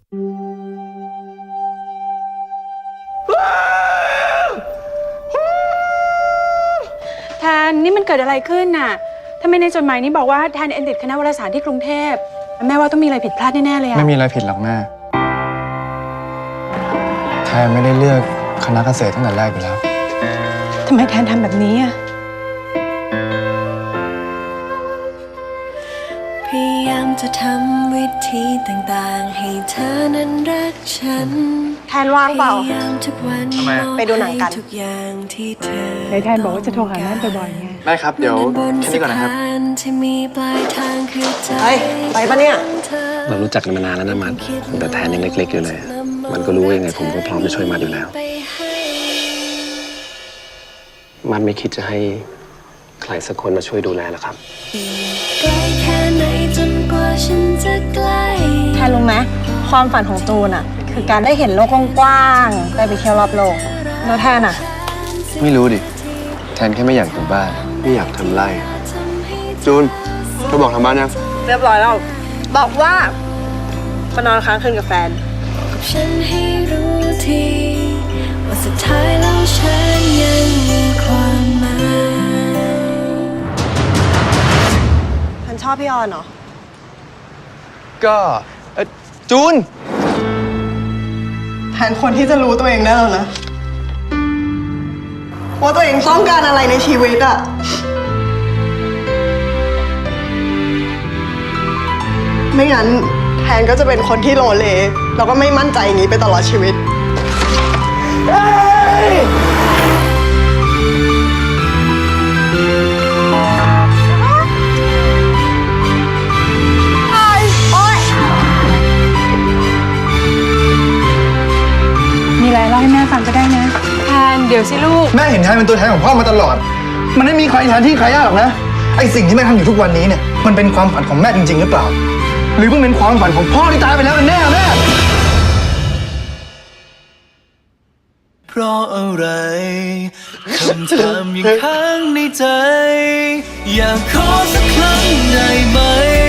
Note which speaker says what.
Speaker 1: แทนนี่มันเกิดอะไรขึ้นน่ะทำไมในจดหมายนี้บอกว่าแทนเอ็นติดคณะวารสารที่กรุงเทพแม่ว่าต้องมีอะไรผิดพลาดแน่ๆเลยอะ
Speaker 2: ไม่มีอะไรผิดหรอกแม่แทนไม่ได้เลือกคณะเกษตรตั้งแต่แรกอยู่แล้ว
Speaker 1: ทำไมแทนทำแบบนี้อะ
Speaker 3: พยายามจะทำวิธีต่างๆให้เธอนั้นรักฉัน
Speaker 4: แทนว่างเปล่า
Speaker 3: ไปดูหนังกัน
Speaker 1: ไหนแทนบอกว่าจะโทรหาแม่บ่อยๆไง
Speaker 2: ได้ครับเดี๋ยวแค่นี้ก่อนนะครับ
Speaker 4: เฮ้ยไปปะเนี่ย
Speaker 5: เรารู้จักกันมานานแล้วนะมัดแต่แทนยังเล็กๆอยู่เลยมันก็รู้ว่ายังไงผมก็พร้อมจะช่วยมัดอยู่แล้วมัดไม่คิดจะให้ใครสักคนมาช่วยดูแลหรอครับ
Speaker 4: แทนรู้ไหมความฝันของจูนอะคือการได้เห็นโลกกว้างๆได้ไปเที่ยวรอบโลกแล้วแทนอะ
Speaker 2: ไม่รู้ดิแทนแค่ไม่อยากอยู่บ้านไม่อยากทำไร่จูนเธอบอกทางบ้านยัง
Speaker 4: เรียบร้อยแล้วบอกว่ามานอนค้างคืนกับแฟน
Speaker 3: ฉันให้รู้ทีว่าสุดท้ายแล้วฉันยังมีความหมาย
Speaker 4: ฉันชอบพี่ออนเหรอ
Speaker 2: ก็จูน
Speaker 4: แทนคนที่จะรู้ตัวเองได้แล้วนะว่าตัวเองต้องการอะไรในชีวิตอะไม่งั้นแทนก็จะเป็นคนที่โลเลแล้วก็ไม่มั่นใจอย่างนี้ไปตลอดชีวิต
Speaker 1: มีอะไรเล่าให้แม่ฟังก็ได้นะแทนเดี๋ยวสิลูก
Speaker 2: แม่เห็นแทนเป็นตัวแทนของพ่อมาตลอดมันไม่มีใครแทนที่ใครได้หรอกนะไอสิ่งที่แม่ทำอยู่ทุกวันนี้เนี่ยมันเป็นความฝันของแม่จริงๆหรือเปล่าหรือมันเป็นความฝันของพ่อที่ตายไปแล้วกันแน่แม่
Speaker 6: เพราะอะไรคำถามยังค้างในใจอยากขอสักครั้งได้ไหม